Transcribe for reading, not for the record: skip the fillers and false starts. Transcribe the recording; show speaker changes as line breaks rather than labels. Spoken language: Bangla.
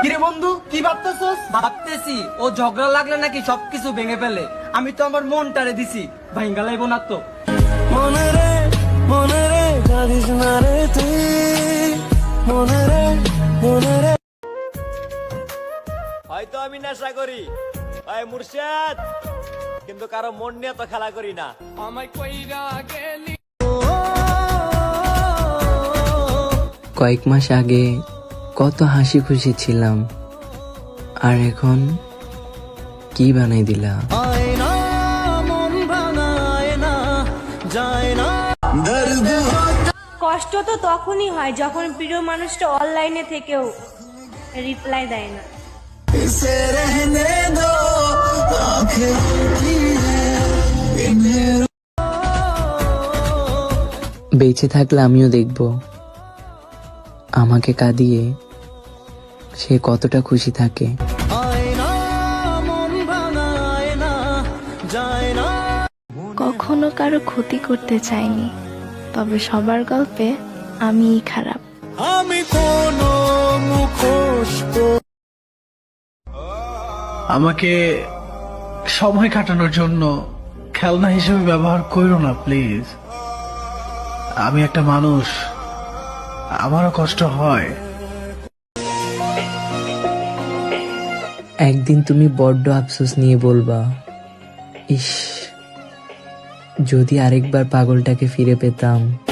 কিরে বন্ধু, কি ভাবতেছস?
ভাবতেছি ও ঝগড়া লাগলে নাকি সবকিছু ভেঙে ফেলে। আমি তো আমার মনটারে দিছি, ভাঙ্গা লাইব না তো।
মনে রে কাঁদিস না রে তুই, মনে রে।
হয়তো আমি নেশা করি ভাই মুর্শিদ, কিন্তু কারো মন নিয়ে তো খেলা করি না।
কয়েক মাস আগে কত হাসি খুশি ছিলাম, আর এখন কি বানাই দিলা।
আয়না মন ভাঙায় না, যায় না দর্দ।
কষ্ট তো তখনই হয় যখন প্রিয় মানুষটা অনলাইনে থেকেও রিপ্লাই দেয় না।
इसे रहने दो आंखें की है इन्हें।
বেঁচে থাকলে আমিও দেখব আমাকে কাঁদিয়ে সে কতটা খুশি থাকে।
আয়না মন ভাঙায় না, যায় না।
কখনো কারো ক্ষতি করতে চাইনি, তবে সবার গল্পে আমিই খারাপ।
আমি কোনো মুখোশ
আমাকে সময় কাটানোর জন্য খেলনা হিসেবে ব্যবহার করো না প্লিজ। আমি একটা মানুষ, আমারও কষ্ট হয়।
একদিন তুমি বড্ড আফসোস নিয়ে বলবা, ইস যদি আরেকবার পাগলটাকে ফিরে পেতাম।